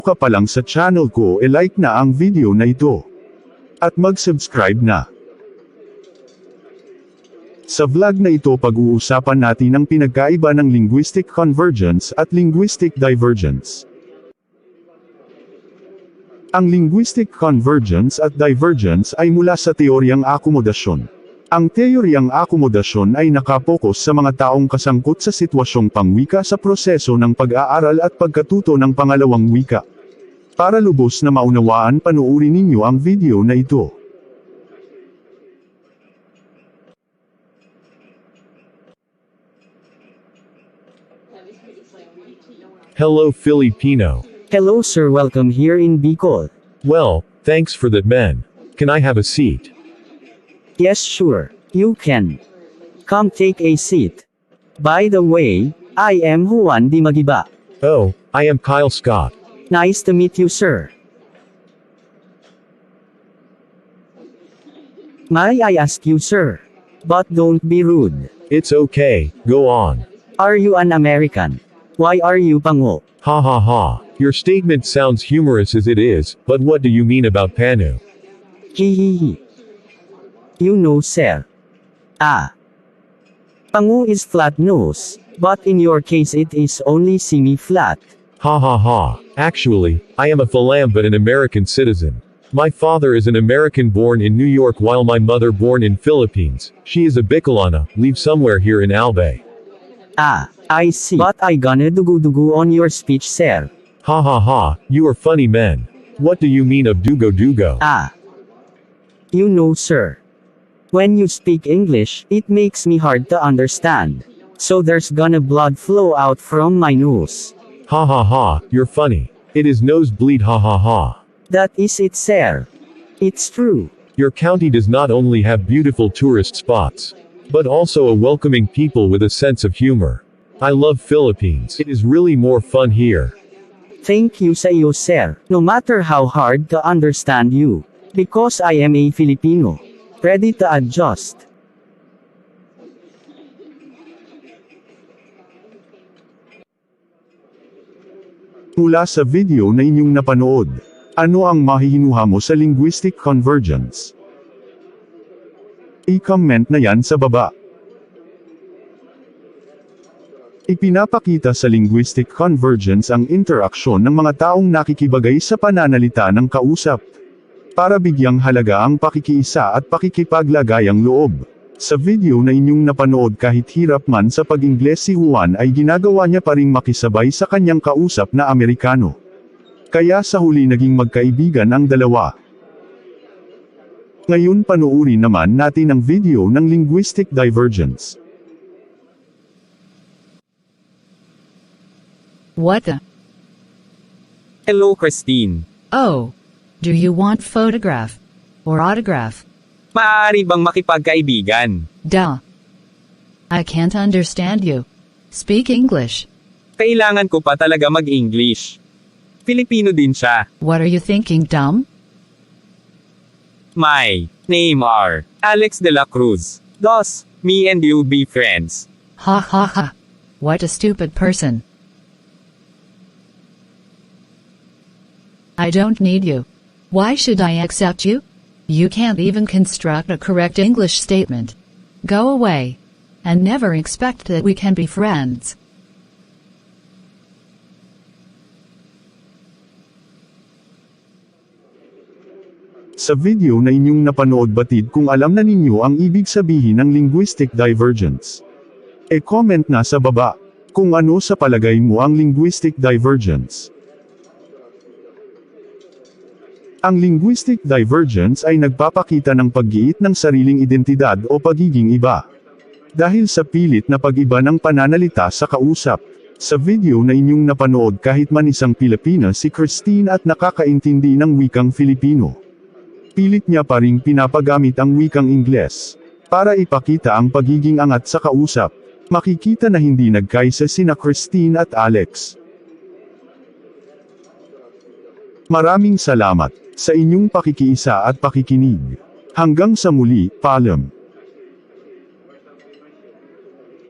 ka pa lang sa channel ko like na ang video na ito. At mag-subscribe na. Sa vlog na ito pag-uusapan natin ang pinagkaiba ng linguistic convergence at linguistic divergence. Ang linguistic convergence at divergence ay mula sa teoryang akomodasyon. Ang teoryang akomodasyon ay nakapokus sa mga taong kasangkot sa sitwasyong pangwika sa proseso ng pag-aaral at pagkatuto ng pangalawang wika. Para lubos na maunawaan, panuuri ninyo ang video na ito. Hello Filipino. Hello sir, welcome here in Bicol. Well, thanks for that man. Can I have a seat? Yes sure, you can. Come take a seat. By the way, I am Juan Di Magiba. Oh, I am Kyle Scott. Nice to meet you sir. May I ask you sir? But don't be rude. It's okay, go on. Are you an American? Why are you pango? Ha ha ha. Your statement sounds humorous as it is, but what do you mean about Panu? Hihihi. You know sir. Pango is flat nose, but in your case it is only semi-flat. Ha ha ha. Actually, I am a Philam but an American citizen. My father is an American born in New York while my mother born in Philippines. She is a Bicolana, live somewhere here in Albay. I see. But I gonna dugu-dugu on your speech sir. Ha ha ha, you are funny men. What do you mean of dugo-dugo? You know sir. When you speak English, it makes me hard to understand. So there's gonna blood flow out from my nose. Ha ha ha, you're funny. It is nosebleed ha ha ha. That is it sir. It's true. Your county does not only have beautiful tourist spots, but also a welcoming people with a sense of humor. I love Philippines. It is really more fun here. Thank you sa iyo sir, no matter how hard to understand you. Because I am a Filipino. Ready to adjust. Mula sa video na inyong napanood, ano ang mahihinuha mo sa linguistic convergence? I-comment na yan sa baba. Ipinapakita sa linguistic convergence ang interaksyon ng mga taong nakikibagay sa pananalita ng kausap, para bigyang halaga ang pakikiisa at pakikipaglagayang loob. Sa video na inyong napanood, kahit hirap man sa pag-Ingles si Juan ay ginagawa niya pa ring makisabay sa kanyang kausap na Amerikano. Kaya sa huli naging magkaibigan ang dalawa. Ngayon panuuri naman natin ang video ng linguistic divergence. What the? Hello Christine. Oh. Do you want photograph? Or autograph? Maaari bang makipagkaibigan? Duh. I can't understand you. Speak English. Kailangan ko pa talaga mag-English. Filipino din siya. What are you thinking, dumb? My name are Alex de la Cruz. Thus, me and you be friends. Ha ha ha. What a stupid person. I don't need you. Why should I accept you? You can't even construct a correct English statement. Go away. And never expect that we can be friends. Sa video na inyong napanood, batid kung alam na ninyo ang ibig sabihin ng linguistic divergence. E-comment na sa baba kung ano sa palagay mo ang linguistic divergence. Ang linguistic divergence ay nagpapakita ng paggiit ng sariling identidad o pagiging iba. Dahil sa pilit na pag-iba ng pananalita sa kausap. Sa video na inyong napanood, kahit man isang Pilipina si Christine at nakakaintindi ng wikang Filipino, pilit niya pa ring pinapagamit ang wikang Ingles para ipakita ang pagiging angat sa kausap. Makikita na hindi nagkaisa sina Christine at Alex. Maraming salamat sa inyong pakikiisa at pakikinig. Hanggang sa muli, paalam.